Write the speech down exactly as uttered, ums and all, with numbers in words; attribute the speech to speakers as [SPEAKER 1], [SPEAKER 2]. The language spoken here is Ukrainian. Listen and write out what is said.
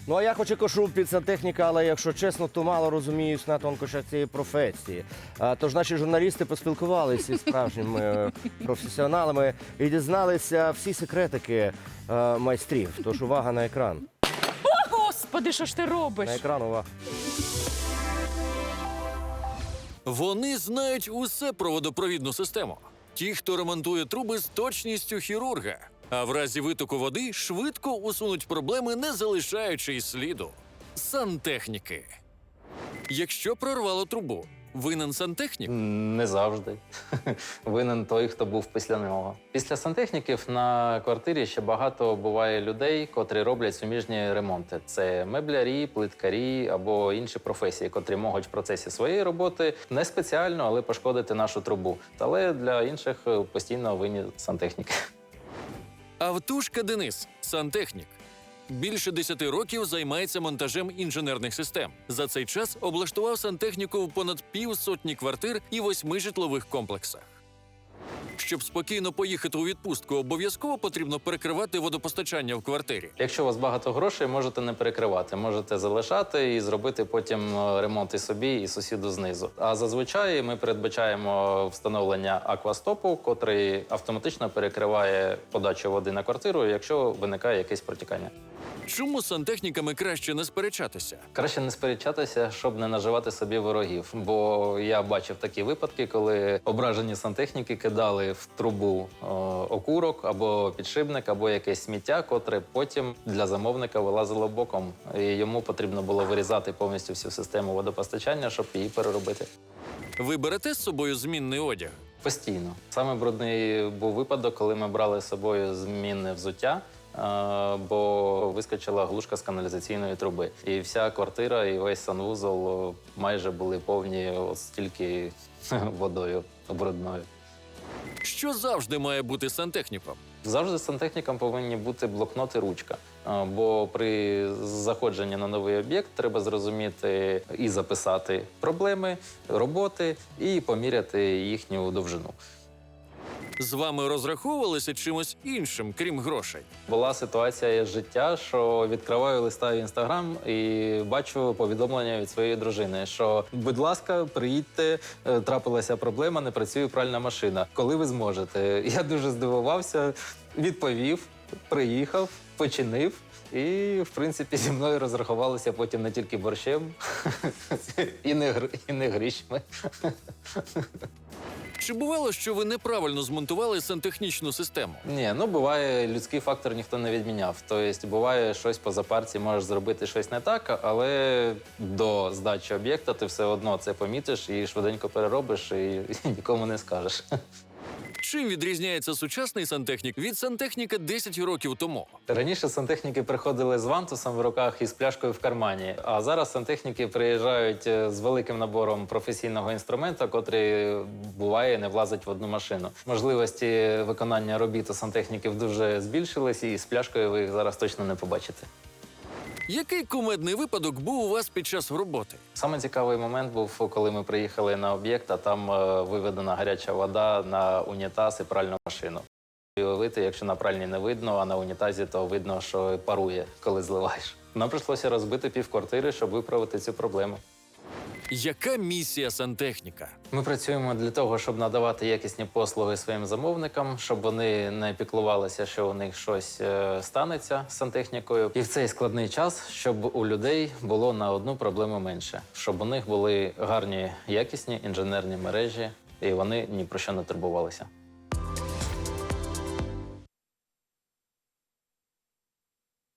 [SPEAKER 1] Ну, а я хоч і кошу під сантехніка, але, якщо чесно, то мало розуміюсь на тонкощах цієї професії. А, тож наші журналісти поспілкувалися із справжніми е, професіоналами і дізналися всі секретики е, майстрів. Тож увага на екран.
[SPEAKER 2] О, Господи, що ж ти робиш?
[SPEAKER 1] На екран увага.
[SPEAKER 3] Вони знають усе про водопровідну систему. Ті, хто ремонтує труби з точністю хірурга. А в разі витоку води швидко усунуть проблеми, не залишаючи й сліду. Сантехніки. Якщо прорвало трубу, винен сантехнік?
[SPEAKER 4] Не завжди. Винен той, хто був після нього. Після сантехніків на квартирі ще багато буває людей, котрі роблять суміжні ремонти. Це меблярі, плиткарі або інші професії, котрі можуть в процесі своєї роботи не спеціально, але пошкодити нашу трубу. Але для інших постійно винні сантехніки.
[SPEAKER 3] Автушка Денис – сантехнік. Більше десяти років займається монтажем інженерних систем. За цей час облаштував сантехніку в понад півсотні квартир і восьми житлових комплексах. Щоб спокійно поїхати у відпустку, обов'язково потрібно перекривати водопостачання в квартирі.
[SPEAKER 4] Якщо у вас багато грошей, можете не перекривати. Можете залишати і зробити потім ремонт і собі, і сусіду знизу. А зазвичай ми передбачаємо встановлення аквастопу, котрий автоматично перекриває подачу води на квартиру, якщо виникає якесь протікання.
[SPEAKER 3] Чому з сантехніками краще не сперечатися?
[SPEAKER 4] Краще не сперечатися, щоб не наживати собі ворогів. Бо я бачив такі випадки, коли ображені сантехніки кидали в трубу о, окурок або підшипник, або якесь сміття, котре потім для замовника вилазило боком. І йому потрібно було вирізати повністю всю систему водопостачання, щоб її переробити.
[SPEAKER 3] Ви берете з собою змінний одяг?
[SPEAKER 4] Постійно. Саме брудний був випадок, коли ми брали з собою змінне взуття, бо вискочила глушка з каналізаційної труби. І вся квартира, і весь санвузол майже були повні от стільки водою брудною.
[SPEAKER 3] Що завжди має бути сантехніком?
[SPEAKER 4] Завжди сантехнікам повинні бути блокнот і ручка. Бо при заходженні на новий об'єкт треба зрозуміти і записати проблеми, роботи, і поміряти їхню довжину.
[SPEAKER 3] З вами розраховувалися чимось іншим, крім грошей?
[SPEAKER 4] Була ситуація з життя, що відкриваю листа в Інстаграм і бачу повідомлення від своєї дружини, що, будь ласка, приїдьте, трапилася проблема, не працює пральна машина. Коли ви зможете? Я дуже здивувався, відповів, приїхав, починив. І, в принципі, зі мною розрахувалися потім не тільки борщем, і не, гр... і не грішми.
[SPEAKER 3] Чи бувало, що ви неправильно змонтували сантехнічну систему?
[SPEAKER 4] Ні, ну буває, людський фактор ніхто не відміняв. Тобто буває, щось по запарці можеш зробити щось не так, але до здачі об'єкта ти все одно це помітиш і швиденько переробиш, і, і нікому не скажеш.
[SPEAKER 3] Чим відрізняється сучасний сантехнік від сантехніка десять років тому?
[SPEAKER 4] Раніше сантехніки приходили з вантусом в руках і з пляшкою в кармані, а зараз сантехніки приїжджають з великим набором професійного інструменту, котрий, буває, не влазить в одну машину. Можливості виконання робіт у сантехніків дуже збільшились, і з пляшкою ви їх зараз точно не побачите.
[SPEAKER 3] Який кумедний випадок був у вас під час роботи?
[SPEAKER 4] Саме цікавий момент був, коли ми приїхали на об'єкт, а там е, виведена гаряча вода на унітаз і пральну машину. І уявити, якщо на пральні не видно, а на унітазі, то видно, що парує, коли зливаєш. Нам прийшлося розбити півквартири, щоб виправити цю проблему.
[SPEAKER 3] Яка місія сантехніка?
[SPEAKER 4] Ми працюємо для того, щоб надавати якісні послуги своїм замовникам, щоб вони не піклувалися, що у них щось е, станеться з сантехнікою. І в цей складний час, щоб у людей було на одну проблему менше. Щоб у них були гарні, якісні інженерні мережі, і вони ні про що не турбувалися.